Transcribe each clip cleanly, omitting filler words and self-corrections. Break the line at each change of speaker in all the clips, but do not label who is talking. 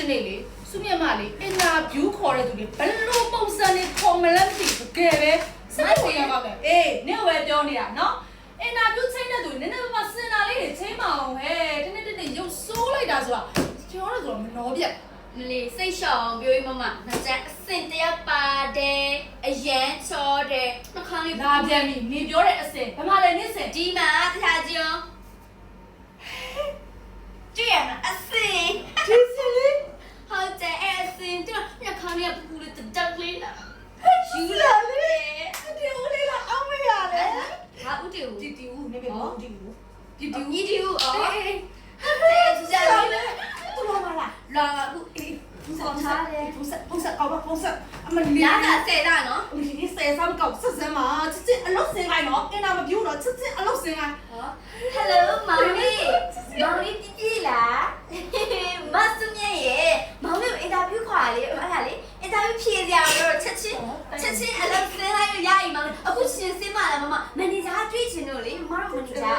နေ့လေစုမြတ်မလေးအင်တာဗျူးခေါ်တဲ့သူတွေဘယ်လိုပုံစံနဲ့ခေါ်မလဲမသိဘူးတကယ်ပဲစိတ်ဝင်ရပါမယ်အေးနင့်ဝယ်ပြောနေတာနော်အင်တာဗျူးချိန်တဲ့သူနည်းနည်းပါးစင်တာလေးတွေချိန်မအောင်ဟဲ့တနေ့တနေ့ရုပ်ဆိုးလိုက်တာဆိုတာကျွန်တော်တို့ဆိုတော့မနှောပြတ်
မလေးစိတ်ရှောင်ပြောပြီးမမငါကြအစင်တရပါတယ်အရန်ချောတယ်နှခမ်းလေး
လာပြန်ပြီနေပြောတဲ့အစင်ဘာမှလည်းနင့်စင်
ဒီမှာတရားကြည့်အောင်ကြည့်ရမအစင်
ဒီစင်လေး
ဟုတ်တယ်အစင်တို့နှခမ်းလေးပူလေးတက်လေးလာ
ယူလာလေဒီဦးလေးလာအောင်မရလေ
ဟာဦးတီဦး
တီဦးနေပြီဦးတီဦး
တီဦးအော်
အေး
တဲ့ကြည့်ရလေ
သူလာမလား
လာအခုအေး
ပုံစံကောက်ပါပုံစံအမလီ
လာတာဆယ်တာနော်
ဒီဆယ်ဆမ်းကောက်ဆက်စမ်းမှာချစ်ချစ်အလုပ်စင်လိုက်နော်အင်တာမပြူတော့ချစ်ချစ်အလုပ်စင်လိုက်
ဟယ်လိုမောင်လေးပြည့်လားမဆုမြရဲ့မောင်လေးအင်တာဗျူးခေါ်လေအဲ့ဒါလေအင်တာဗျူးဖြေစရာတော့ချက်ချင်းအလုပ်စင်လိုက်ရရင်မောင်အခုရှင်စင်းမလားမမန်နေဂျာတွေးချင်လို့လေမတော်မန်နေဂျာ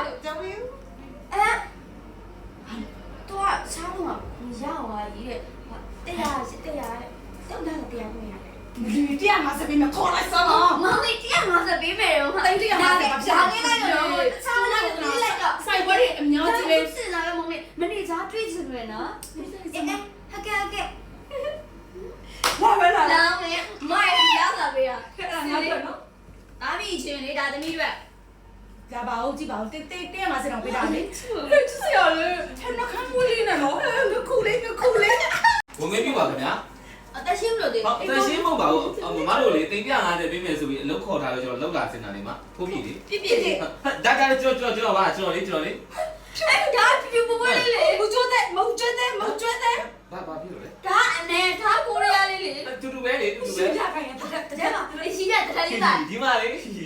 တော့ချားလို့မရပါဘူးတဲ့တရားတောက်တာတရားကိုရတယ်
ဒီတရားမှာစပင်းမခေါ်လိုက်စမ်းနော်
မောင်လေး150ပေးမယ်တော့
တိတ်တရားမှာပါဖြာ
လေးလိုက်တော့တခြားလိုက်ပြီးလိုက်တော့
စိုက်ပွဲတွေအများကြီးပဲ
စစ်လာတော့မောင်လေးမနေစားတွေးချင်တယ်နော်ဟကဲ
လာပဲလာ
လောင်းလေမိုက်ရောက်လာပြီอ่ะ
ခက်တာငါပြောနော်
ဒါပြီချင်းလေဒါသမီးတွေ
ကြပါဦးကြည့်ပါဦးတင်းမှာစတော့ပေးတာလေချစ်စရာလေဟဲ့နှခမ်းမွေးလေးနဲ့နော်ငခုလေး
ဝင်မေးပြပါခင်ဗျာ
အသက်ရှင်းလို့လေ
ဟုတ်အသက်ရှင်းမဟုတ်ပါဘူးမမတို့လေတိမ်ပြ50ပေးမယ်ဆိုပြီးအလုပ်ခေါ်ထားလို့ကျွန်တော်လောက်လာစင်တာလေးမှာဖိုးပြည့်လေ
ပြည့်
ဒါကျွန်တော်ပါကျွန်တော်လေ
အဲ့ဒါပြပပွဲလေးလေ
မကျွတ်တဲ့
ဘာဖြစ်လို့လဲ
ဒါအနေထားကိုရရလေးလေ
တူတူပဲလေတူတူပဲ
ရခိုင်ရတဲ့
တဲ့မှာရှိတဲ့တခါလေးသား
ဒီမှာလေ